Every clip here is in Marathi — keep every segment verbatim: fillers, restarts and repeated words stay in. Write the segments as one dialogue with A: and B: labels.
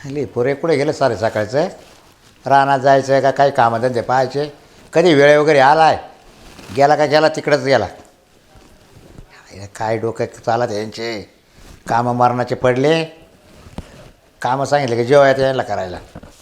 A: हल्ली पोरे कुठे गेलं सारे सकाळचं रानात जायचं का काही कामधंदे पाहायचे कधी वेळे वगैरे आला आहे गेला का गेला तिकडंच गेला काय डोक्यात चालत यांचे कामं मारणाचे पडले कामं सांगितले की जेवायचं यायला करायला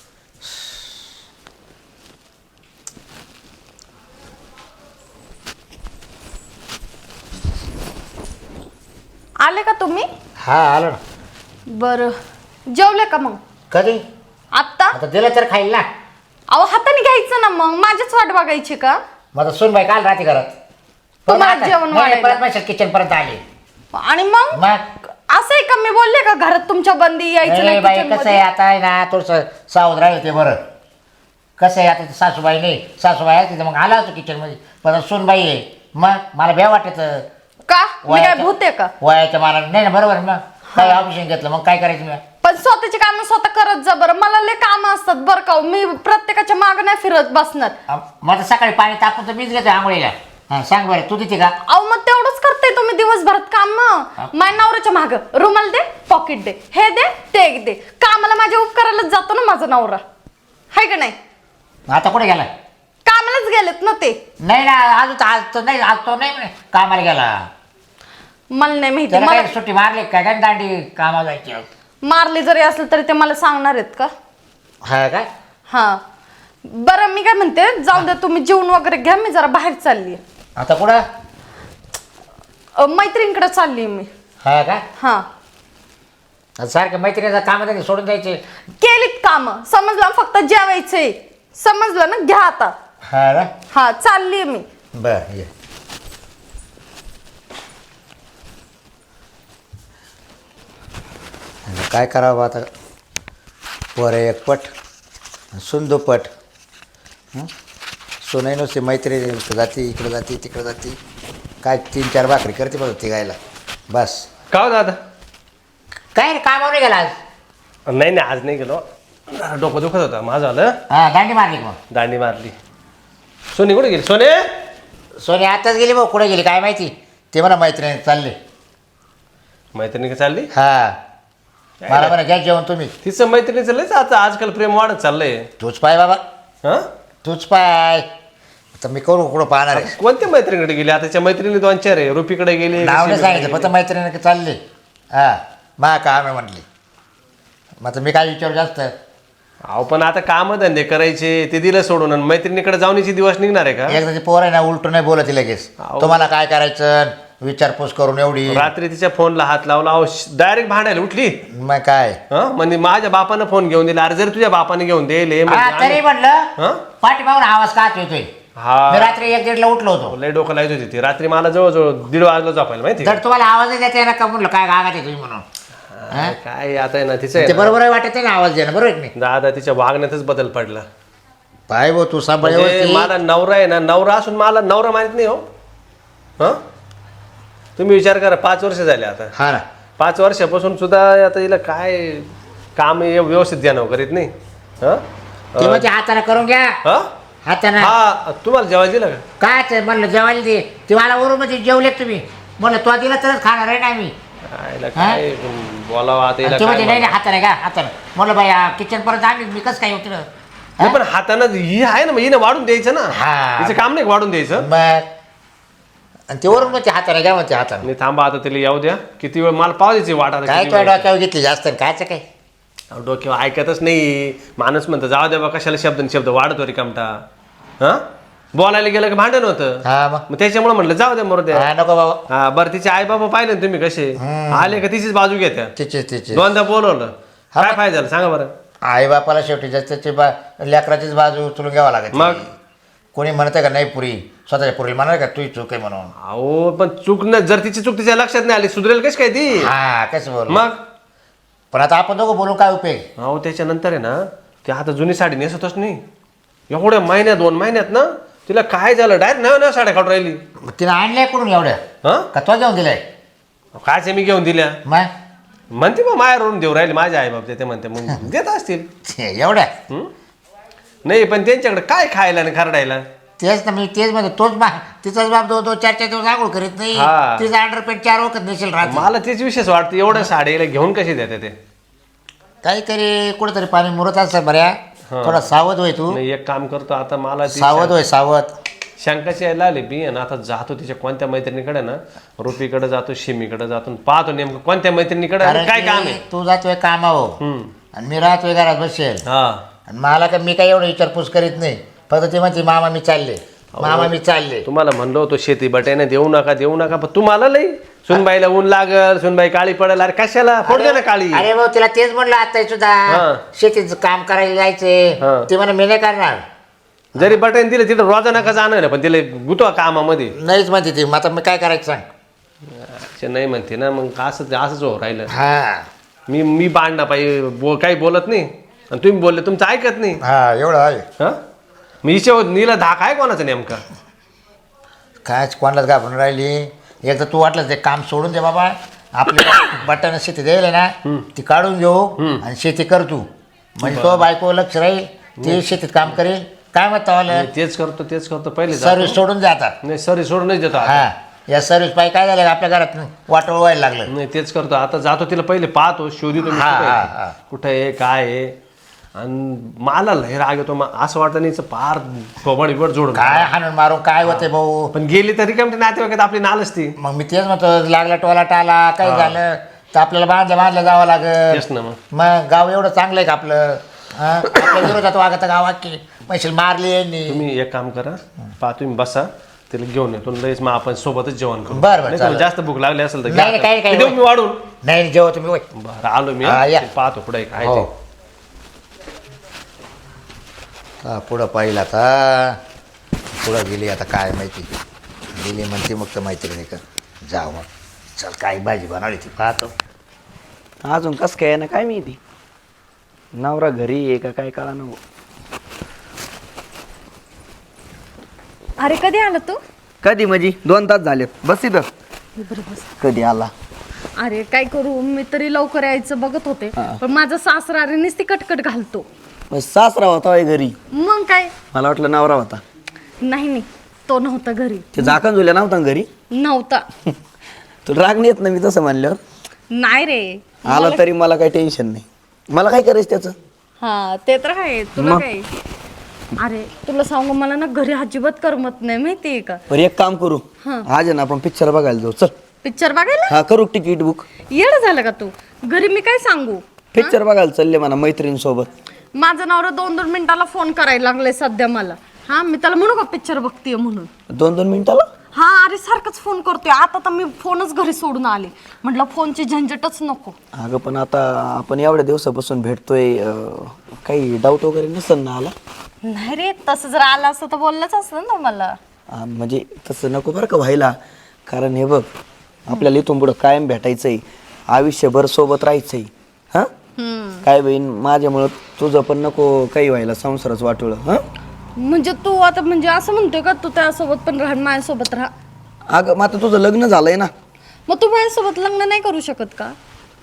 B: आले का तुम्ही?
A: हा आलो ना.
B: बरं जेवले का मग?
A: कधी
B: आत्ता?
A: आता दिलं तर खाईल ना.
B: अहो हाताने घ्यायचं ना मग माझीच वाट बघायची का?
A: माझा सूनबाई काल राहते घरात
B: तुम्हाला जेवण वाढायला.
A: परत माझ्या किचन पर्यंत आले
B: आणि मग
A: मग
B: असं आहे का मी बोलले का घरात तुमच्या बंदी यायचं
A: नाही
B: नाही
A: बाई
B: kitchen
A: कसं आहे
B: मध्ये?
A: आता आहे ना थोडंसं सावध राहील ते बरं कसं आहे आता ते सासूबाई नाही सासूबाई आहे तिथं मग आला होतो किचनमध्ये पण सूनबाई आहे मग मला भ्या वाटत
B: का मी काय भूत आहे का?
A: वयाच्या मला नाही ना बरोबर मग काय ऑपरेशन घेतलं मग काय करायचं मी
B: पण स्वतःची कामं स्वतः करत जा बरं मला लय काम असतात बरं का हो. मी प्रत्येकाच्या मागं नाही फिरत बसणार.
A: मग सकाळी पाणी तापून तर मीच घेतो आंघोळीला हां सांग बरं तू तिथे का
B: अहो मग तेवढंच करते तुम्ही दिवसभरात काम माझ्या नवऱ्याच्या माग रुमाल दे पॉकेट दे हे दे ते दे कामाला माझ्या उपकारालाच जातो ना माझा नवरा हाय का नाही?
A: आता कुठे गेला
B: कामालाच गेलेत ना ते.
A: नाही ना आज आज तर नाही आज तो नाही म्हणे कामाला गेला
B: मला नाही माहिती
A: त्याला
B: मला
A: काय सुट्टी मारली काय काय दांडी कामाला जायची
B: मारली जरी असेल तरी ते मला सांगणार आहेत का?
A: हा काय
B: हा बरं मी काय म्हणते जाऊ द्या तुम्ही जेवण वगैरे घ्या मी जरा बाहेर चालली
A: आता कुठं
B: मैत्रिणीकडे चालली मी.
A: हा का
B: हा
A: सारखं मैत्रिणीचं काम आहे सोडून द्यायचे
B: केलीत काम समजलं फक्त जेवायचंय समजलं ना घ्या आता.
A: हा ना
B: हा चालली मी.
A: बर ये काय करावं आता पोरे एक पट सुंदू पट सोनाई नुसती मैत्री जाती इकडं जाती तिकडं जाती काय तीन चार भाकरी करते बघ ती गायला बस
C: का हो दादा?
A: काय रे कामावर नाही गेला आज
C: नाही नाही आज नाही गेलो जरा डोकं दुखत होता माझं आलं
A: हा दांडी मारली का मग
C: दांडी मारली. सोनी कुठे गेली सोने?
A: सोनी आताच गेली भाऊ कुठे गेली काय माहिती ते मला मैत्रिणी चालले
C: मैत्रिणी का चालली?
A: हा मला म्हणा घ्या जेवण तुम्ही
C: तिचं मैत्रिणीचं लयच आता आजकाल प्रेम वाढत चाललंय.
A: तूच पाय बाबा
C: हा
A: तूच पाय तर मी करू कुठं पाहणार आहे
C: कोणत्या मैत्रिणीकडे गेली? आता त्या मैत्रिणी दोन चार आहे रुपीकडे गेली
A: नाव नाही
C: सीमेकडे
A: सांगितलं फक्त
C: गेली.
A: मैत्रिणी चालले हा मा काम आहे म्हटली मग आता मी काय विचारू जास्त
C: अहो पण आता काम धंदे करायचे ते दिलं सोडून आणि मैत्रिणीकडे जाऊनची दिवस निघणार आहे का?
A: एकदा ती पोर आहे ना उलटून नाही बोलत लगेच
C: अहो.
A: तुम्हाला काय करायचं विचारपूस करून एवढी
C: रात्री तिच्या फोनला हात लावला अहो डायरेक्ट भांडायला उठली.
A: मग काय
C: हा म्हणजे माझ्या बापानं फोन घेऊन दिला अरे जर तुझ्या बापाने घेऊन दिले
A: हा तरी म्हटलं
C: हा
A: पाठीमागून आवाज का येतोय
C: हा
A: मी रात्री एक दीडला उठलो होतो
C: लय डोकं लावत होती ती रात्री मला जवळजवळ दीड वाजला झोपायला माहिती
A: तर तुम्हाला आवाज द्यायचा ना का म्हणलं काय गागात आहे तुम्ही म्हणून
C: का? काय आता आहे ना तिचं आहे
A: ते
C: ना,
A: बरोबर आहे वाटत आहे ना आवाज देणं बरोबर आहे की नाही
C: दादा तिच्या वागण्यातच बदल पडला.
A: पाय भाऊ तू सांभाळ
C: म्हणजे
A: व्यवस्थित.
C: मला नवरा आहे ना नवरा असून मला नवरा माहित नाही हो. हा तुम्ही विचार करा पाच वर्ष झाले आता
A: हा ना
C: पाच वर्षापासून सुद्धा आता हिला काय काम हे व्यवस्थित द्यानं करीत नाही. हा
A: ते म्हणजे हाताने करून घ्या
C: हा?
A: हाताने
C: हा तुम्हाला जेवायला दिलं का?
A: काय ते म्हणलं जेवायला दे ते मला वरून म्हणजे जेवले तुम्ही म्हणलं तो दिला तरच खाणार आहे ना मी
C: आईला काय बोलावं आता हिला
A: ते म्हणजे
C: काय
A: नाही
C: बोलावं?
A: हाताने का हाताने म्हणलं बाई किचन पर्यंत आम्ही मी कसं काय होतं
C: नाही पण हातानं ही आहे ना मग हिने वाढून द्यायचं ना.
A: हा.
C: तिचं काम नाही का वाढून द्यायचं.
A: मग आणि ते वरून मग ते हाताने घ्या म्हणते हाताने
C: नाही थांबा आता तिला येऊ द्या किती वेळ मला पाव द्यायची वाट आता
A: काय
C: किती
A: तुझ्या
C: वेळ.
A: डोक्यावर घेतली जास्त आणि कायचं काय
C: अहो, डोक्यावर ऐकतच नाही माणूस म्हणतो जाऊ द्या बा कशाला शब्द शब्द वाढतो रिकामटा. हा बोलायला गेलं की भांडण होतं
A: हा मग
C: मग त्याच्यामुळे म्हटलं जाऊ द्या मरू द्या.
A: हा नको बाबा
C: हा बरं तिचे आई बाबा पाहिले ना तुम्ही कसे आले का तिचीच बाजू घेत्या.
A: तिचे तिचे
C: दोनदा बोलवलं
A: हा.
C: काय फायदा झाला सांगा बरं.
A: आई बापाला शेवटी जास्त त्याची बा लेकराचीच बाजू उचलून घ्यावा लागत
C: मग?
A: कोणी म्हणतं का नाही पुरी स्वतःच्या पुरी म्हणाल का तू चूक आहे म्हणून
C: अहो पण चूक न जर तिची चूक तिच्या लक्षात नाही आली सुधरेल कशी काय ती.
A: हा कसं बोल
C: मग
A: पण आता आपण दोघं बोलून काय उपयोग
C: अहो त्याच्यानंतर आहे ना ती आता जुनी साडी नेसतच नाही एवढ्या महिन्यात दोन महिन्यात ना तिला काय झालं डायरेक्ट नव्या नव्या साड्या काढून राहिली.
A: मग तिने आणलंय कुठून एवढं
C: हा
A: का तो घेऊन दिलाय
C: कायचे मी घेऊन दिल्या
A: मग
C: म्हणते मग मायावरून देऊ राहिले माझे आई बाप ते म्हणते मग देत असतील.
A: एवढ्या
C: हं? नाही पण त्यांच्याकडे काय खायला आणि खरडायला.
A: तेच ना मी तेच म्हणतो तोच बा तिचाच बाप दो दो चार चार दिवस आंघोळ करीत नाही
C: हा.
A: तिचा अंडरपेंट चार वखत नेसेल राहत
C: मला तेच विशेष वाटतं एवढ्या साडीला घेऊन कशी देते ते.
A: काहीतरी कुठेतरी पाणी मुरत असतं बऱ्या थोडा सावध होय तू
C: नाही एक काम करतो आता मला ती
A: सावध होय सावध
C: शंकाची यायला आली बी आणि आता जातो तिच्या कोणत्या मैत्रिणीकडे ना रुपीकडे जातो शिमीकडे जातो पाहतो नेमकं कोणत्या मैत्रिणीकडे आणि काय काम आहे.
A: तू जातोय कामावर
C: हम्म.
A: आणि मी राहतोय घरात बसेल
C: हा
A: आणि मला काय मी काय एवढं विचारपूस करीत नाही फक्त ती म्हणते मामा मी चालले मामा मी चालले
C: तुम्हाला म्हणलो होतो शेती बटायना देऊ नका देऊ नका पण तुम्हाला लई सुनबाईला ऊन लागल सुनबाई काळी पडेल अरे कशाला फोड दे ना काळी
A: अरे भाऊ तिला तेच म्हणलं आता सुद्धा
C: हा.
A: शेतीचं काम करायला जायचे
C: हा.
A: ते म्हणा मी नाही करणार
C: जरी बटाईन दिलं तिथं रोजा नका जाणं ना पण तिला गुतवा कामामध्ये
A: नाहीच म्हणते ती मग आता मी काय करायचं सांग
C: अच्छा, नाही म्हणते ना मग असं असंच हो राहिलं
A: हा
C: मी मी बांधणं पाहिजे बो काही बोलत नाही आणि तुम्ही बोलले तुमचं ऐकत नाही
A: हा एवढं आहे
C: हा मी हिच्या नीला धाक आहे कोणाचा नेमका
A: काय कोणालाच घाबरून राहिली एकदा तू वाटलं ते काम सोडून दे बाबा आपली बटाणा शेती द्यायला ना ती काढून घेऊ आणि शेती कर तू म्हणजे तो बायको लक्ष राहील ती शेतीत काम करेल काय म्हणता
C: मी तेच करतो तेच करतो पहिले जातो.
A: सर्व्हिस सोडून द्या आता
C: नाही सॉरी सोडूनच देतो आता.
A: हा या सर्व्हिस पाहिजे काय झालं आपल्या घरात वाटोळ व्हायला लागलं
C: नाही तेच करतो आता जातो तिला पहिले पाहतो शोधितो मी
A: हा,
C: कुठे
A: हा,
C: आहे.
A: हा.
C: कुठे आहे काय आहे आणि मला लय राग येतो मा- असं वाटतं नाही पार थोबड बिबड जोडून
A: काय हाणून मारून काय होते भाऊ
C: पण गेली तरी काय म्हणते नातेवाईकात आपली नाल असती
A: मग मी तेच म्हणतो लागला टोला टाला काय झालं तर आपल्याला बांधल्या बांधल्या जावं लागेल
C: तेच ना मग
A: मग गाव एवढं चांगलं आहे का आपलं हा? आपल्या विरोधात वागत गावात की पैसे मारले यांनी
C: तुम्ही एक काम करा पहा तुम्ही बसा तिला घेऊन येतो लयच मग आपण सोबतच जेवण करू
A: बरं, बरं,
C: नाही तुम्हाला
A: चालेल.
C: जास्त भूक लागली असेल तर
A: नाही,
C: घ्या
A: नाही, काही-
C: आता.
A: काही-
C: देऊ मी वाढून
A: नाही जेव्हा तुम्ही होय
C: बरं आलो मी
A: हा,
C: हा.
A: या.
C: ते पाहतो पुढे काय
A: हो.
C: ते
A: हा, पुढं पाहिलं आता पुढं गेली आता काय माहिती गेली म्हणते मग तर माहिती नाही का जाऊ मग चल काय भाजी बनवली ती पाहतो
D: अजून कसं काय ना काय माहिती नवरा घरी आहे का काय कळा नको
B: अरे कधी आला तू
D: कधी म्हणजे दोन तास झालेत बस इथं
B: बरं बस
D: कधी आला
B: अरे काय करू मी तरी लवकर यायचं बघत होते पण माझा सासरा अरे नुसती कटकट घालतो
D: मग सासरा होता होय घरी
B: मग काय
D: मला वाटलं नवरा होता
B: नाही नाही तो नव्हता घरी
D: ते झाकण झुल्या नव्हता ना घरी
B: नव्हता
D: तुला राग नाही येत ना मी तसं म्हणल्यावर
B: नाही रे
D: आला तरी मला काही टेन्शन नाही मला काय करायचं त्याचं
B: हा ते तर आहे तुला
D: मग?
B: काय अरे तुला सांगू मला ना घरी अजिबात करमत नाही माहितीये का
D: बरं एक काम करू आज आहे ना आपण पिक्चर बघायला जाऊ चल
B: पिक्चर बघायला
D: हा करू तिकीट बुक
B: येड झालं का तू घरी मी काय सांगू
D: पिक्चर बघायला चालले म्हणा मैत्रिणीसोबत
B: माझा नवरा दोन दोन मिनिटाला फोन करायला लागलाय सध्या मला हा मी त्याला म्हणू का पिक्चर बघतीये म्हणून
D: दोन दोन मिनिटाला
B: हा अरे सारखंच फोन करतोय आता तर मी फोनच घरी सोडून आले म्हटलं फोनची झंझटच नको
D: अगं पण आता आपण एवढ्या दिवसापासून भेटतोय अं, काही डाऊट वगैरे नसेल ना आला
B: नाही रे तसं जर आलं असतं तर बोललंच असतं ना मला
D: हा, म्हणजे तसं नको बरं का व्हायला कारण हे बघ आपल्याला इथून पुढं कायम भेटायचंय आयुष्यभर सोबत राहायचंय हा काय बहीण माझ्यामुळं तुझं पण नको काही व्हायला संसारच वाटोळ हा
B: म्हणजे तू आता म्हणजे असं म्हणतोय का तू त्यासोबत पण राहा माझ्यासोबत राहा
D: अगं मग आता तुझं लग्न झालंय ना
B: मग तू माझ्यासोबत लग्न नाही करू शकत का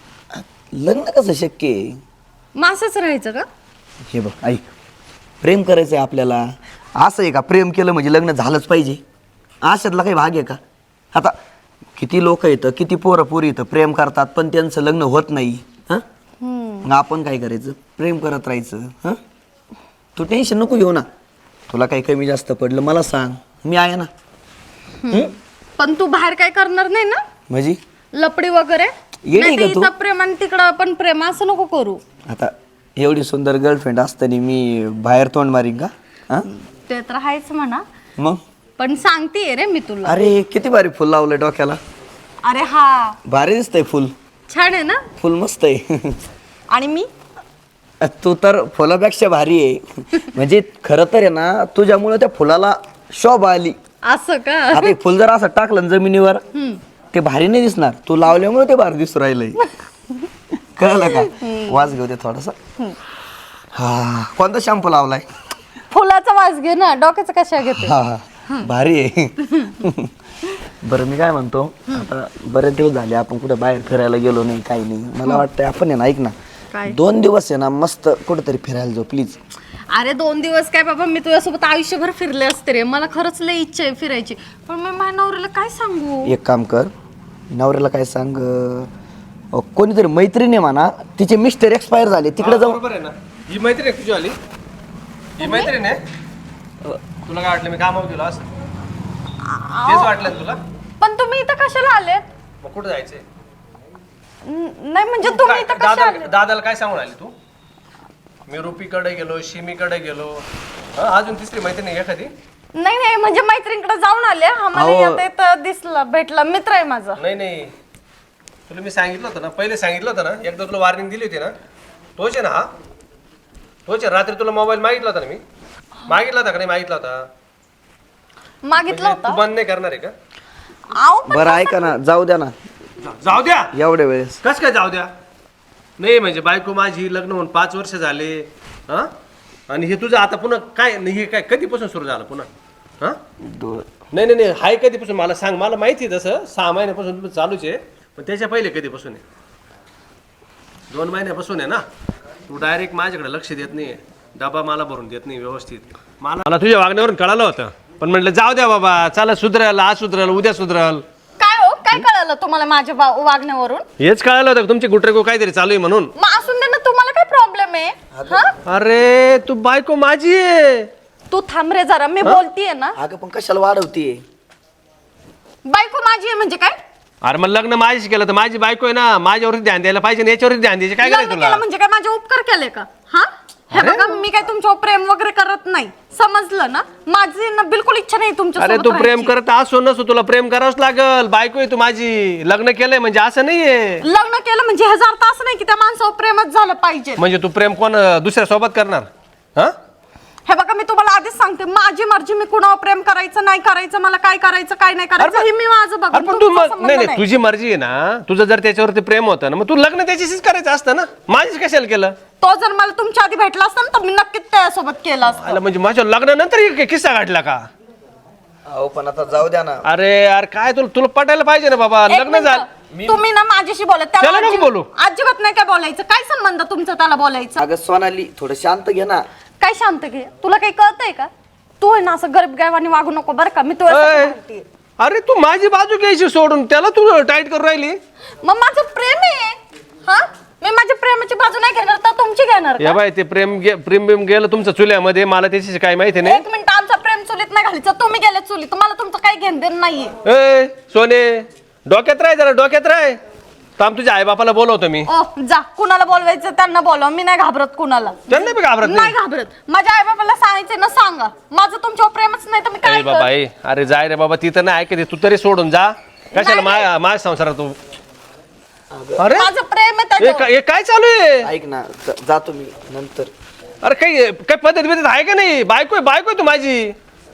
D: लग्न कसं शक्य आहे
B: मग असंच राहायचं का
D: हे बघ ऐक प्रेम करायचंय आपल्याला असं आहे का प्रेम केलं म्हणजे लग्न झालंच पाहिजे अशातला काही भाग आहे का आता किती लोक येतं किती पोरं पोरी येतं प्रेम करतात पण त्यांचं लग्न होत नाही हां मग आपण काय करायचं प्रेम करत राहायचं हां तू टेन्शन नको घेऊ ना तुला काही कमी जास्त पडलं मला सांग मी आहे ना हं?
B: पण तू बाहेर काय करणार नाही ना
D: म्हणजे
B: लपडी वगैरे
D: येडी
B: नाही
D: का
B: तर
D: तू?
B: इथं प्रेम आणि तिकडं पण प्रेम असं नको करू
D: आता एवढी सुंदर गर्लफ्रेंड असताना मी बाहेर तोंड मारीन का हां
B: ते तर आहेच म्हणा
D: मग
B: पण सांगतेय रे मी तुला
D: अरे किती भारी फुल लावलंय डोक्याला
B: अरे हा
D: भारी दिसतंय फुल
B: छान आहे ना
D: फुल मस्त आहे
B: आणि मी
D: तू तर फुलापेक्षा भारी आहे म्हणजे खरं तर आहे ना तुझ्यामुळे त्या फुलाला शोभा आली
B: असं का
D: आता हे फुल जर असं टाकलं ना जमिनीवर ते भारी नाही दिसणार तू लावल्यामुळे ते भारी दिसू राहिलंय कळलं का वास घेऊ दे थोडासा हा कोणता शॅम्पू लावलाय
B: फुलाचा वास घे ना डोक्याचा कशा घेते
D: हा हा भारी आहे बरं मी काय म्हणतो आता बरेच दिवस झाले आपण कुठे बाहेर फिरायला गेलो नाही काही नाही मला वाटतंय आपण आहे ना ऐक ना
B: काय?
D: दोन दिवस आहे ना मस्त कुठेतरी फिरायला जाऊ प्लीज
B: अरे दोन दिवस काय बाबा मी तुझ्यासोबत आयुष्यभर फिरले असते रे मला खरंच लय इच्छा आहे फिरायची पण मी माझ्या नवऱ्याला काय सांगू
D: एक काम कर नवऱ्याला काय सांग अं, अहो, कोणीतरी मैत्रिणी म्हणा तिचे मिस्टर एक्सपायर झाले तिकडे जाऊन
C: बरोबर आहे ना. ही मैत्रीण आहे तुझी आली ही मैत्रीण आहे. तुला काय वाटलं मी कामावर गेलो असं तेच वाटलं ना तुला.
B: पण तुम्ही इथं कशाला आलेत?
C: मग कुठं जायचंय?
B: न- नाही म्हणजे तुम्ही इथं कशा
C: दादा
B: आले?
C: दादाला काय सांगून आली तू? मी रुपीकडे गेलो शिमीकडे गेलो हा, अजून तिसरी मैत्रीण आहे एखादी?
B: नाही नाही म्हणजे मैत्रिणीकडे जाऊन आले आम्हाला
D: अहो.
B: येता येता दिसलं भेटला मित्र आहे माझा.
C: नाही नाही तुला मी सांगितलं होतं ना पहिले सांगितलं होतं ना एकदा तुला वॉर्निंग दिली होती ना. तोच आहे ना हा तोच आहे. रात्री तुला मोबाईल मागितला होता ना मी मागितला होता का नाही मागितला होता?
B: मागितलं
C: म्हणजे तू
B: होतं.
C: बंद नाही करणार आहे का?
B: आहो पण
D: बरं ऐका ना जाऊ द्या ना
C: जा- जाऊ द्या.
D: एवढ्या वेळेस
C: कस काय जाऊ द्या? नाही म्हणजे बायको माझी लग्न होऊन पाच वर्ष झाले हा आणि हे तुझं आता पुन्हा काय हे काय कधीपासून सुरू झालं पुन्हा हा?
D: दो-
C: नाही नाही नाही हाय कधीपासून मला सांग. मला माहिती आहे तसं सहा महिन्यापासून तुझं चालूच आहे पण त्याच्या पहिले कधीपासून आहे? दोन महिन्यापासून आहे ना. तू डायरेक्ट माझ्याकडे लक्ष देत नाही डबा मला भरून देत नाही व्यवस्थित. मला मला तुझ्या वागण्यावरून कळालं होतं पण म्हटलं जाऊ द्या बाबा चला सुधरल आज सुधरल उद्या सुधरल.
B: काय हो काय कळालं तुम्हाला माझ्या वा- वागण्यावरून?
C: हेच कळालं होतं तुमची गुटरेगो काहीतरी चालू आहे म्हणून.
B: मग असून दे ना तुम्हाला काय प्रॉब्लेम आहे? हा
C: अरे तू बायको माझी आहे.
B: तू थांब रे जरा मी बोलतीये ना.
D: अगं पण कशाला वाढवतीये?
B: बायको माझी आहे म्हणजे काय?
C: अरे मग लग्न माझीच केलं तर माझी बायको आहे ना माझ्यावरती ध्यान द्यायला पाहिजे ना याच्यावरती ध्यान द्यायचे काय
B: लग्न
C: करायचं तुला?
B: केलं म्हणजे काय माझे उपकार केले का? हा हे बघा मी काय तुमच्यावर प्रेम वगैरे करत नाही समजलं ना. माझी ना बिलकुल इच्छा नाही तुमच्या
C: अरे तू प्रेम करत असो नसो तुला प्रेम करावंच लागल. बायको आहे तू माझी लग्न केलंय म्हणजे असं नाहीये.
B: लग्न केलं म्हणजे ह्याचा अर्थ असं नाही की त्या माणसावर प्रेमच झालं पाहिजे.
C: म्हणजे तू प्रेम कोण दुसऱ्या सोबत करणार हा?
B: हे बघा मी तुम्हाला आधीच सांगते माझी मर्जी मी कुणावर प्रेम करायचं नाही करायचं मला काय करायचं काय नाही करायचं हे मी माझं
C: अरे
B: बघा.
C: पण तू मग- नाही नाही तुझी मर्जी आहे ना. तुझं जर त्याच्यावरती प्रेम होतं ना मग तू लग्न त्याच्याशीच करायचं असतं ना. माझीच कशाला केलं?
B: तो जर मला तुमच्या आधी भेटला असता ना तर मी नक्कीच त्यासोबत केलं असतं.
C: आला म्हणजे माझ्या लग्नानंतर एक किस्सा घडला का?
D: अहो पण आता जाऊ द्या ना.
C: अरे यार काय तुला तुला पटायला पाहिजे ना बाबा.
B: एक
C: लग्न
B: मिनिटं.
C: झालं
B: तुम्ही ना माझ्याशी बोलत
C: त्याला नको
B: अजिबात-
C: बोलू.
B: अजिबात नाही काय बोलायचं. काय संबंध तुमचा त्याला बोलायचं?
D: अगं सोनाली थोडं शांत घे ना.
B: काय शांत घे तुला काही कळतंय का? तू आहे ना असं गरीब गायवानी वागू नको बरं का. मी
C: अय,
B: तुला म्हणते
C: अरे तू माझी बाजू घ्यायची सोडून त्याला तू टाईट करून राहिली.
B: मग माझं प्रेम आहे हा. मी माझ्या प्रेमाची बाजू नाही घेणार तर तुमची घेणार
C: या
B: का?
C: बाय ते प्रेम गे- प्रेम बिम गेलं तुमचं चुल्यामध्ये मला त्याची काय माहिती नाही.
B: एक मिनिट आमचा प्रेम चुलीत नाही घालायचं तुम्ही गेले चुलीत मला तुमचं काही घेण देण नाहीये.
C: ए सोने डोक्यात राह जरा डोक्यात राह. थांब तुझ्या आई बापाला बोलवतो मी.
B: ओ जा कुणाला बोलवायचं त्यांना बोलवा. मी नाही घाबरत कुणाला.
C: त्यांना बी घाबरत
B: नाही
C: नाही.
B: घाबरत. माझ्या आई बाबाला सांगायचं ना सांगा माझं तुमच्यावर प्रेमच नाही तर मी
C: अरे
B: काय
C: बाबा
B: करू?
C: ए, अरे जाय रे बाबा तिथं नाही ऐकते तू तरी सोडून जा. कशाला
B: नाही,
C: माझ्या माझ्या संसारात तू अरे
B: माझं प्रेम आहे
C: हे
B: त्याच्यावर.
C: काय हे काय चालू आहे?
D: ऐक ना ज- जातो मी नंतर.
C: अरे काही काय पद्धत बिद्धत आहे का नाही? बायको आहे बायको आहे तू माझी.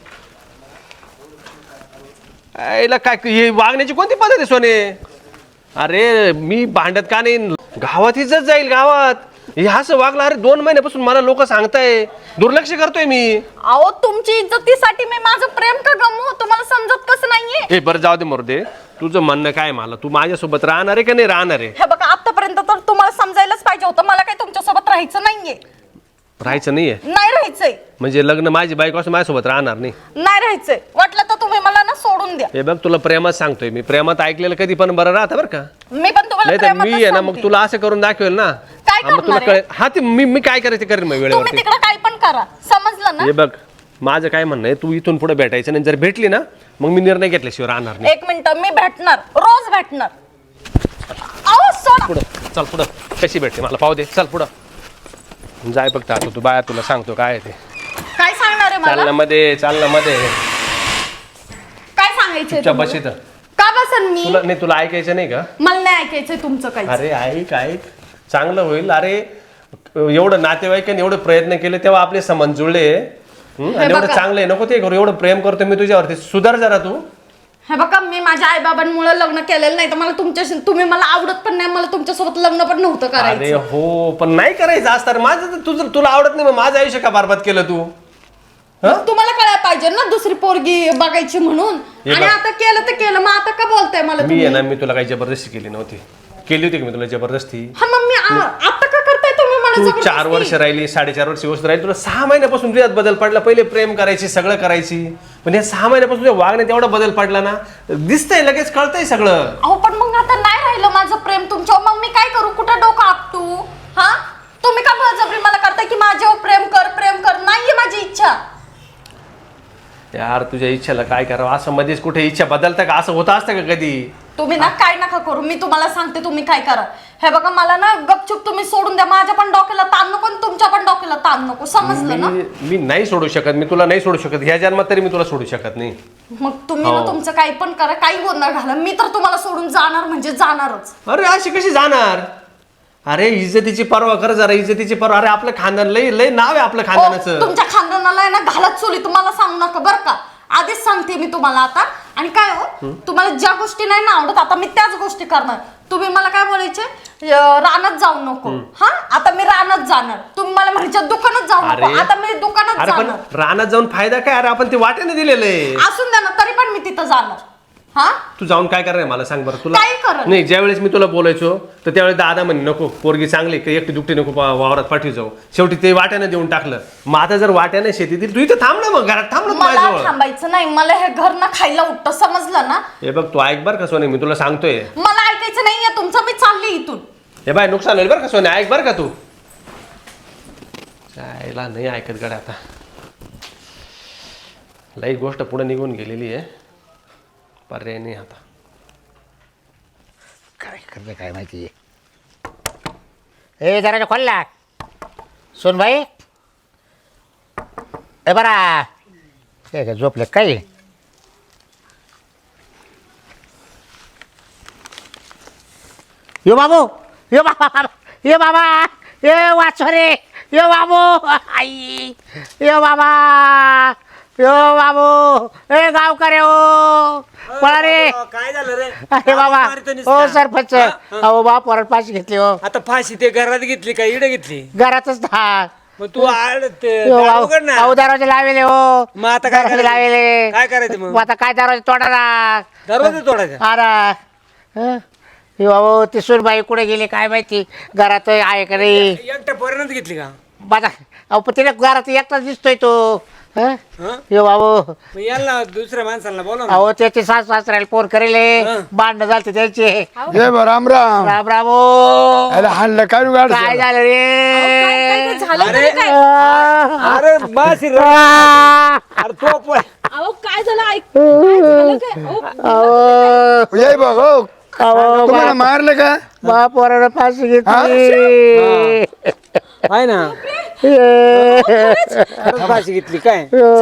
C: आईला काय हे वागण्याची कोणती पद्धत आहे सोने? अरे मी भांडत का नाही गावात इज्जत जाईल गावात. हे असं वागलं अरे दोन महिन्यापासून मला लोक सांगताय दुर्लक्ष करतोय मी.
B: अहो तुमची इज्जतीसाठी मी माझं प्रेम का गमवू तुम्हाला समजत कसं नाहीये?
C: हे बरं जाऊ दे मरू दे. तुझं म्हणणं काय मला तू माझ्यासोबत राहणार आहे का नाही राहणार आहे?
B: हे बघा आतापर्यंत तर तुम्हाला समजायलाच पाहिजे होतं मला काही तुमच्यासोबत राहायचं नाहीये.
C: राहायचं नाहीये
B: नाही राहायचंय.
C: म्हणजे लग्न माझी बायको असं माझ्यासोबत राहणार नाही.
B: नाही राहायचंय वाटलं तर तुम्ही मला ना सोडून द्या.
C: हे बघ तुला प्रेमात सांगतोय मी. प्रेमात ऐकलेलं कधी पण बरं राहतं बरं का.
B: मी पण तुम्हाला
C: नाही तर
B: प्रेमातच
C: मी आहे ना मग
B: सांगते.
C: तुला असं करून दाखवेल ना.
B: काय
C: हा, मग तुला
B: करणार आहे?
C: कळेल. हा ते मी मी काय करायचं करेन मग
B: तुम्ही
C: वेळेवरती.
B: तिकडे काय पण करा समजलं ना.
C: हे बघ माझं काय म्हणणं आहे तू इथून पुढे भेटायचं नाही. जर भेटली ना मग मी निर्णय घेतल्याशिवाय राहणार नाही.
B: एक मिनिट मी भेटणार रोज भेटणार. अहो सोडा.
C: पुढं चल पुढं कशी भेटते मला पाहू दे. चल पुढं जाय बघ आता तू बाया तुला सांगतो काय आहे ते.
B: काय सांगणार आहे मला?
C: चालण्यामध्ये चालण्यामध्ये
B: काय सांगायचंय
C: तुझ्या
B: तुम्हाला?
C: बशीत
B: का बसन मी?
C: तुला नाही तुला ऐकायचं नाही का?
B: मला नाही ऐकायचंय तुमचं काही.
C: अरे ऐक ऐक चांगलं होईल. अरे एवढं नातेवाईकांनी एवढे प्रयत्न केले तेव्हा आपले संबंध जुळले. हं? आणि एवढं
B: बघा.
C: चांगलं आहे नको ते करू. एवढं प्रेम करतो मी तुझ्यावरती सुधार जरा तू.
B: हे बघा मी माझ्या आई बाबांमुळे लग्न केलेलं नाही तर मला तुमच्याशी तुम्ही मला आवडत पण नाही मला तुमच्यासोबत लग्न पण नव्हतं
C: अरे
B: करायचं.
C: हो पण नाही करायचं असतं. माझं तर तुझं तुला आवडत नाही मग माझं आयुष्य का बरबाद केलं तू?
B: मग तुम्हाला कळायला पाहिजे ना दुसरी पोरगी बघायची म्हणून.
C: हे
B: आणि
C: बघ.
B: आता केलं तर केलं मग आता का बोलताय मला
C: मी
B: तुम्ही?
C: आहे ना मी तुला काही जबरदस्ती केली नव्हती. केली होती की मी तुला जबरदस्ती?
B: हा मग मी आ- आता का करताय तुम्ही मला
C: तू
B: जबरदस्ती?
C: चार वर्ष राहिली साडेचार वर्ष गोष्ट राहिली तुला सहा महिन्यापासून तुझ्यात बदल पडला. पहिले प्रेम करायची सगळं करायची पण या सहा महिन्यापासून तुझ्या वागण्यात एवढा बदल पडला ना दिसतंय लगेच कळतंय सगळं.
B: अहो पण मग आता नाही राहिलं माझं प्रेम तुमच्यावर मग मी कुठं डोकं आपटू? हा तुम्ही का बळजबरी मला करताय की माझ्यावर प्रेम कर प्रेम कर? नाहीये माझी इच्छा.
C: यार तुझ्या इच्छेला काय करावं, असं मध्येच कुठे इच्छा बदलतं का? असं होत असतं का कधी?
B: तुम्ही ना काय नका करू, मी तुम्हाला सांगते तुम्ही काय करा. हे बघा मला ना गपचूप तुम्ही सोडून द्या. माझ्या पण डोक्याला ताण नको आणि तुमच्या पण डोक्याला ताण नको, समजलं ना?
C: मी मी नाही सोडू शकत, मी तुला नाही सोडू शकत. ह्या जन्मात तरी मी तुला सोडू शकत नाही.
B: मग तुम्ही ना
C: हो.
B: तुमचं काही पण करा, काही गोंधळ घाला, मी तर तुम्हाला सोडून जाणार म्हणजे जाणारच.
C: अरे अशी कशी जाणार? अरे इज्जतीची पर्वा कर जरा, इज्जतीची पर्वा. अरे आपलं खानदान लय लय नाव आहे आपलं
B: ओ,
C: खानदानाचं.
B: तुमच्या खानदानाला आहे ना घालत चोली तुम्हाला सांगू नका बरं का. आधीच सांगते मी तुम्हाला आता. आणि काय हो तुम्हाला ज्या गोष्टी नाही ना आवडत आता मी त्याच गोष्टी करणार. तुम्ही मला काय बोलायचे अं, रानात जाऊ नको. हा आता मी रानात जाणार. तुम्ही मला म्हणजे दुकानात जाऊ नको.
C: अरे.
B: आता मी दुकानात
C: अरे पण
B: जाणार.
C: रानात जाऊन फायदा काय? अरे आपण ते वाट्याने दिलेलं आहे.
B: असून द्या ना तरी पण मी तिथं जाणार. हा
C: तू जाऊन काय करणार मला सांग बरं. तुला
B: काय करणार?
C: नाही, ज्यावेळेस मी तुला बोलायचो तर त्यावेळेस दादा म्हणे नको, पोरगी चांगली काही एकटी दुकटी नको पा- वावरात पाठवी जाऊ. शेवटी ते वाट्याने देऊन टाकलं. मग आता जर वाट्याने शेती दिली, तू इथं थांब ना, मग घरात थांब ना तू
B: मला
C: माझ्याजवळ.
B: थांबायचं नाही. मला हे घर ना खायला उठतं, समजलं ना?
C: हे बघ तू ऐक बरं का सोने, मी तुला सांगतोय.
B: मला ऐकायचं नाहीये तुमचं. मी चालली इथून.
C: हे बाय नुकसान होईल बरं का सोने, ऐक बरं का तू. जायला नाही ऐकत गड्या आता. लई गोष्ट पुढे निघून गेलेली आहे, पर्याय नाही आता.
A: काय करते काय माहिती. ए जरा खोलला सोन भाई. ए बरा हे काय झोपले काय? यो बाबू यो बाबा यो बाबा ये वाचो रे यो बाबू आई यो बाबा यो बाबू ए गावकरे हो पळा रे.
E: काय झालं रे?
A: अरे बाबा हो सरपंच अहो बाप वरड फाशी घेतली हो.
E: आता फाशी ते घरात घेतली का इडे घेतली?
A: घरातच दहा
E: मग तू आड ते दार उघड ना.
A: अहो दरवाजे लावेले हो.
E: मग आता काय
A: दरवाजे
E: करायचं?
A: लावेले.
E: काय करायचं मग?
A: मग आता काय दरवाजे तोडाला
E: दरवाजा तोडायचा.
A: अरे हे बाबा ती सुनबाई कुठे गेली काय माहिती. घरात आहे का नाही
E: एकट्या पोरानंच घेतली का?
A: माझा अहो पण तिला घरात एकटाच दिसतोय तो.
E: हं?
A: यो बाबू
E: मग याला दुसऱ्या माणसाला बोला ना.
A: अहो त्याचे सास सासऱ्याला फोन करेले भांडणं झालते त्यांचे.
F: जय बा राम राम.
A: राम राम हो.
F: अरे हाणलं काय गाड
A: काय झालं रे?
B: झालं
E: अरे
A: आ,
E: अरे बास रे.
A: आ,
E: अरे तो पोर.
B: अहो काय झालं ऐक काय झालं काय? अहो,
A: अहो,
F: जय बा हो
A: अहो,
F: तुम्हाला
A: बाप-
F: मारलं का?
A: बाप वरानं फाशी घेतली.
E: आहे ना.
A: ए,
E: अरे फाशी घेतली काय?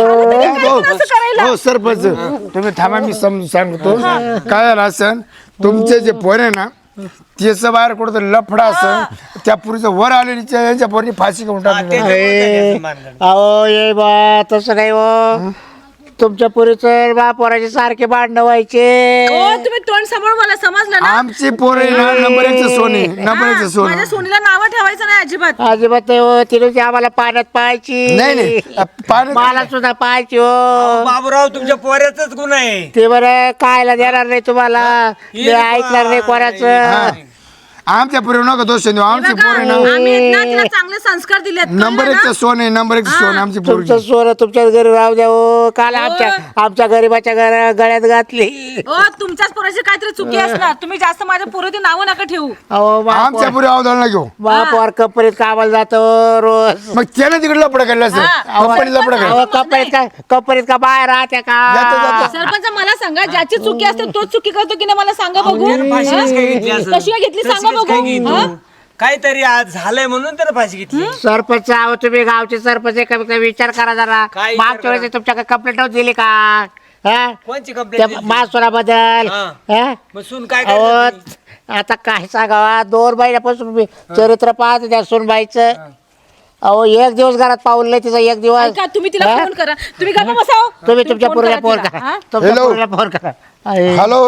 F: हो हो, सरपंच तुम्ही थांबा मी समजून सांगतो. काय झालं असन तुमचे जे पोर आहे ना त्याचं बाहेर कुठं लफडा असन त्या पुरीचं वर आलेली यांच्या पोरनी फाशी घेऊन टाकली.
E: त्याच्यामुळे काय मारलं?
A: अहो ये बा तसं नाही हो. तुमच्या पुरीचं बा पोराचे सारखे भांडणं व्हायचे.
G: तुम्ही तोंड समोर मला समजलं ना.
F: आमची पोरे ना नंबर एकचं सोने नंबर एकचं सोनं.
G: माझ्या सोनीला नावं ठेवायचं नाही अजिबात.
A: अजिबात नाही हो. तिने आम्हाला पाण्यात पाहायची.
F: नाही नाही पाणी
A: मला सुद्धा पाहायची हो.
E: बाबूराव तुमच्या पोऱ्याचाच गुन्हा आहे.
A: ते बरं कायला देणार नाही तुम्हाला. मी ऐकणार नाही कोणाचं.
F: आमच्या पोरी नका दोष देऊ. आमची
G: बघा,
F: पोरे ना
G: आम्ही आहेत ना, तिला चांगले संस्कार दिलेत.
F: नंबर एकचं सोने नंबर एकचं सोनं आमची पोरगी.
A: तुमचं सोनं तुमच्याच घरी राहू द्या हो. काल आमच्या आमच्या गरीबाच्या घरा गळ्यात घातली.
G: हो तुमच्याच पोराची काहीतरी चुकी असणार. तुम्ही जास्त माझ्या पोराची नावं नका ठेवू.
A: अहो
F: आमच्या पुरी अवधारणा घेऊ.
A: बाप वर कंपनीत कामाला जातो रोज.
F: मग त्यानं तिकडे लपडा केला असेल. कंपनी लपडा केला.
A: अहो कंपनीत का कंपनीत का बाहेर राहत्या
F: जातो,
A: का?
F: जातो.
G: सरपंच मला सांगा, ज्याची चुकी असते तोच चुकी करतो की नाही मला सांगा बघू.
E: यानं फाशी कशी काय घेतली
G: हा?
E: असेल?
G: कशी काय घेतली
E: तशी
G: सांगा
E: कशी काय घेतली
G: बघू. हा?
E: तू? काहीतरी आज झालंय म्हणून त्याला फाशी घेतली.
A: सरपंच आहो तुम्ही गावचे सरपंच आहे, कमी कमी विचार करा जरा.
E: काय
A: मागच्या
E: विचार
A: वेळेस तुमच्याकडे कंप्लेंट दिली का? हा?
E: कोणची
A: त्या
E: कंप्लेंट?
A: मासुराबद्दल
E: हा.
A: हा?
E: मग सून काय
A: अहो
E: करायचं?
A: आता काय सांगावा दोन महिन्यापासून मी चरित्र पाहत त्या सोनबाईचं. अहो एक दिवस घरात पाऊल नाही तिचा एक दिवस.
G: ऐका, तुम्ही तिला
A: हा?
G: फोन करा. तुम्ही गप्प बसाव.
A: तुम्ही तुमच्या
G: फोन
A: पोरीला
G: करा
A: फोन
G: तिला.
A: करा.
G: हा?
A: तुमच्या
F: Hello.
A: पोरीला फोन करा. आहे.
F: हॅलो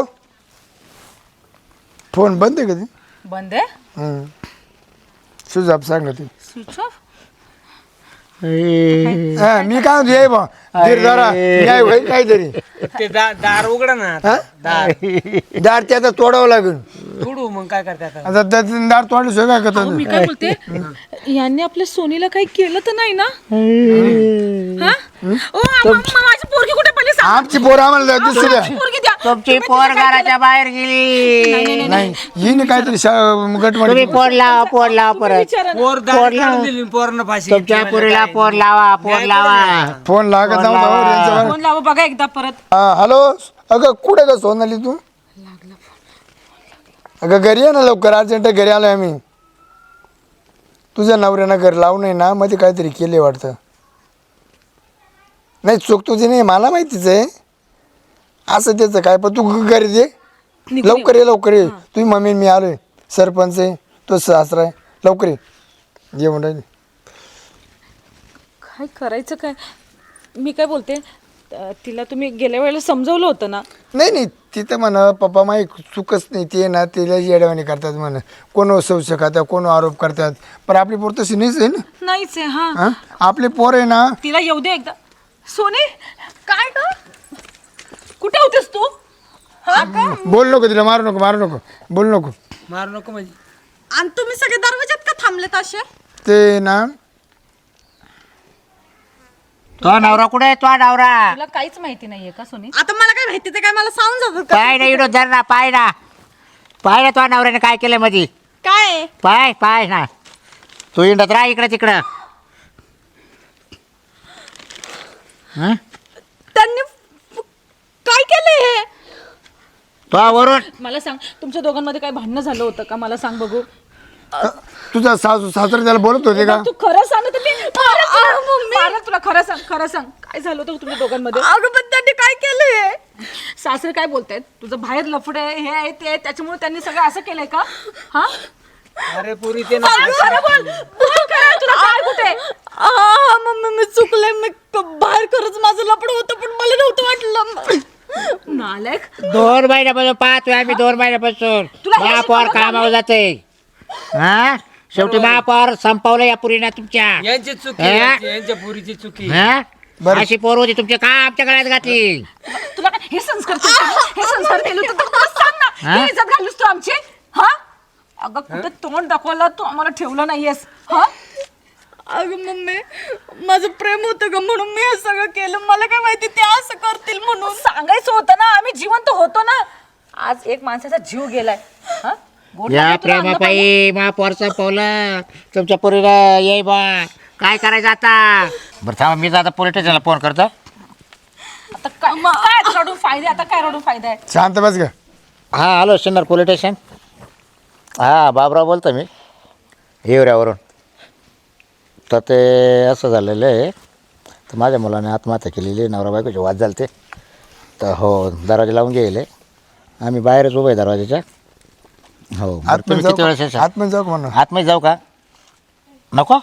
F: फोन बंद आहे कधी
G: बंद आहे.
F: सुजाब सांग ते.
G: Switch off.
A: आहे.
F: हा, मी काय म्हणतो ये बा धीर जरा न्याय होईल काहीतरी.
E: ते दा- दार उघडा ना.
F: हा? दार त्याचा तोडावं लागेल.
E: उडू मग मग काय करता आता?
F: आता त्याचं दार तोडल्याशिवाय काय
G: अहो,
F: करतात
G: मी काय बोलते यांनी आपल्या सोनीला काही केलं तर नाही ना हा? ओ, आ- मा- मा- माझी पोरगी कुठे पडली सांग.
F: आमची पोरं आम्हाला दुसरी द्या.
G: माझी पोरगी द्या.
A: तुमची पोर घराच्या बाहेर गेली
F: नाही हिने काहीतरी गट
A: तुम्ही पोर लावा पोर लावा परत
G: विचारा ना.
E: पोर दाढी काढून दिली पोरानं फाशी घेतली
A: तुमच्या
E: म्हणजे
A: पोरीला
E: काय?
A: पोर लावा पोर लावा
F: फोन लागत नव्हता हो यांच्यावर.
G: फोन लावा बघा एकदा परत.
F: हा, हॅलो अगं कुठे का सोनाली तू अगं घरी ये ना लवकर अर्जंट घरी आलोय आम्ही तुझ्या नवऱ्यानं घर लावू नये ना मध्ये काहीतरी केले वाटतं नाही चूक तुझी नाही मला माहितीच आहे असं त्याचं काय पण तू घरी दे लवकर ये लवकर ये तुझी मम्मी मी आलोय सरपंच आहे तो सासरा आहे लवकर ये जेवण राहिले
G: काय करायचं काय मी काय बोलते अं, तिला तुम्ही गेल्या वेळेला समजवलं होतं ना.
F: नाही नाही तिथं म्हणा पप्पा माही चुकच नाही ते ना तिला येडवाणी करतात म्हण कोण संशय करतात कोण आरोप करतात पण आपली पोर तशी नाहीच आहे ना
G: नाहीच आहे हा.
F: हा? आपले पोर आहे ना
G: तिला येऊ दे एकदा. सोने काय ग कुठे होतेस तू हा का?
F: बोल नको तिला मारू नको मारू नको बोल नको
E: मारू नको म्हणजे
B: आणि तुम्ही सगळे दरवाजात का थांबलेत असे?
F: ते ना
A: तो नवरा कुठे तो नवरा
G: तुला काहीच माहिती नाहीये का सोनी?
B: आता मला काय माहिती ते काय मला सांगून जातात का?
A: पाय ना इडो धर ना पाय ना पाय ना तो नवऱ्याने काय केलं मधी
B: काय
A: पाय पाय ना तू इंडत राह इकडे तिकडं हं?
B: त्यांनी काय केलंय हे?
A: तो वरून
G: मला सांग तुमच्या दोघांमध्ये काय भांडणं झालं होतं का मला सांग बघू.
F: तुझा सासू सासरा त्याला बोलत होते का
G: तू खरं सांग ना. तुम्ही पारत तुला खरं सांग खरं सांग काय झालं होतं तुमच्या दोघांमध्ये?
B: अगं पण त्यांनी काय केलंय?
G: सासरे काय बोलतायत तुझं बाहेर लफडे हे आहे ते आहे, त्याच्यामुळे त्यांनी सगळं असं केलंय का? हा
E: अरे पुरी ते ना
G: खरं बोल बोल खरं. तुला काय कुठे
B: आ, मम्मी मी चुकले मी क- बाहेर खरंच माझं लपड होतं पण मला नव्हतं वाटलं.
G: नालायक.
A: दोन महिन्यापासून पाहतोय आम्ही दोन महिन्यापासून
G: तुला हे
A: महापौर
G: शिकवलं
A: कामावर जाते हा शेवटी महापौर संपवलं या पुरीना तुमच्या
E: यांची चुकी
A: हा?
E: यांची- यांच्या पुरीची चुकी
A: हा? अशी पोर होती तुमच्या का आमच्या गळ्यात घातली
G: तुला काय हे संस्कार केले होते? हे संस्कार केले होते तर मला सांग ना.
A: हा?
G: ही इज्जत घालूस तू आमची हा? अगं कुठे तोंड दाखवायला तू आम्हाला ठेवलं नाहीयेस हा?
B: अगं मम्मी माझं प्रेम होतं ग म्हणून मी हे सगळं केलं. मला काय माहिती ते असं करतील म्हणून.
G: सांगायचं होतं ना आम्ही जिवंत होतो ना. आज एक माणसाचा जीव गेलाय हा? गोड
A: या
G: लागलं तुला अन्न पाणी?
A: प्रेमापायी महापौर संपवलं तुमच्या पोरीला ये बा काय करायचं आता बरं थांबा मी आता पोलीस स्टेशनला फोन करतो
G: आता काय काय आता रडून फायदे आता काय रडून फायदा आहे?
F: शांत बस ग
A: हां हॅलो सिन्नर पोलीस स्टेशन हां बाबराव बोलतो मी हिवऱ्यावरून तर ते असं झालेलं आहे तर माझ्या मुलाने आत्महत्या केलेली आहे नवरा बायकोचे वाद झाले ते तर हो दरवाजा लावून गेले आम्ही बाहेरच उभं आहे दरवाजाच्या हो बरं,
F: आतमध्ये
A: तुम्ही
F: जाऊ
A: किती वेळेस
F: का?
A: येशाल?
F: आतमध्ये जाऊ का म्हणून
A: आतमध्ये जाऊ का नको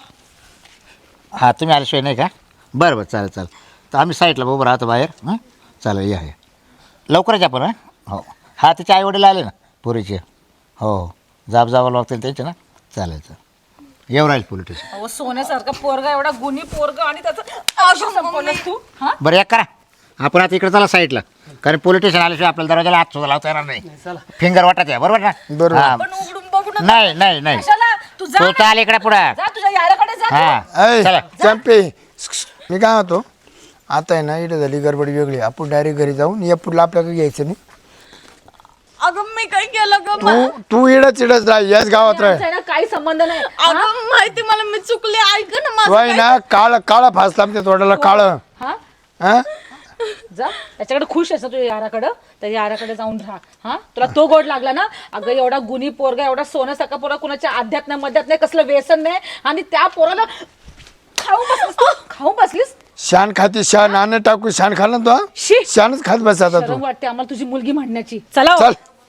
A: हां तुम्ही आल्याशिवाय नाही का बरं बरं चालेल चालेल तर आम्ही साईडला उभं राहतो बाहेर हां चालेल या या लवकरच आपण हां हो हा तिचे आईवडील आले ना पुरीचे हो हो जाब जावं लागतील त्यांचे ना चालेल चालेल येऊ राहील पोलीस स्टेशन
G: अहो सोन्यासारखा पोरगा एवढा गुणी पोरगा आणि त्याचं संपवलंस तू हा?
A: बरं एक करा आपण आता इकडे चला साईडला कारण पोलीस स्टेशन आल्याशिवाय आपल्याला दरवाजाला हात सुद्धा लावता येणार नाही फिंगर वाटत आहे बरोबर ना
F: बरोबर.
A: हां.
G: पण उघडून बघू नका.
A: नाही नाही नाही
G: कशाला? तू जा
A: तो
G: ना.
A: चाल इकडे पुढं
G: जा तुझ्या याराकडे जा तू.
A: हां
F: ऐ
A: चला
F: चंपे मी काय होतो आता आहे ना इकडे झाली गडबड वेगळी आपण डायरेक्ट घरी जाऊन या पुढलं आपल्याकडे घ्यायचं नाही
B: अगं मी काय केलं ग
F: तू तू इडच इडच राह याच गावात राह
G: आमचा आहे ना काही संबंध नाही.
B: अगं माहिती मला मी चुकले ऐक ना
F: तू
B: माझं
F: आहे ना काळ काळा फासला आमच्या तोंडाला काळ
G: हा
F: हा
G: जा त्याच्याकडे खुश आहेस ना तुझ्या याराकडं तर याराकडे जाऊन राहा हा तुला तो गोड लागला ना अगं एवढा गुणी पोरगा एवढा सोन्यासारखा पोरगा कुणाच्या अध्यात्म मध्यात नाही कसलं व्यसन नाही आणि त्या पोराला खाऊ बसलीस तू खाऊ बसलीस
F: शान खाती शान अन्न टाकू शान खाल्लं ना
G: शी.
F: तो शानच खात बस आता तू
G: शरम वाटते आम्हाला तुझी मुलगी म्हणण्याची चला हो.
F: चल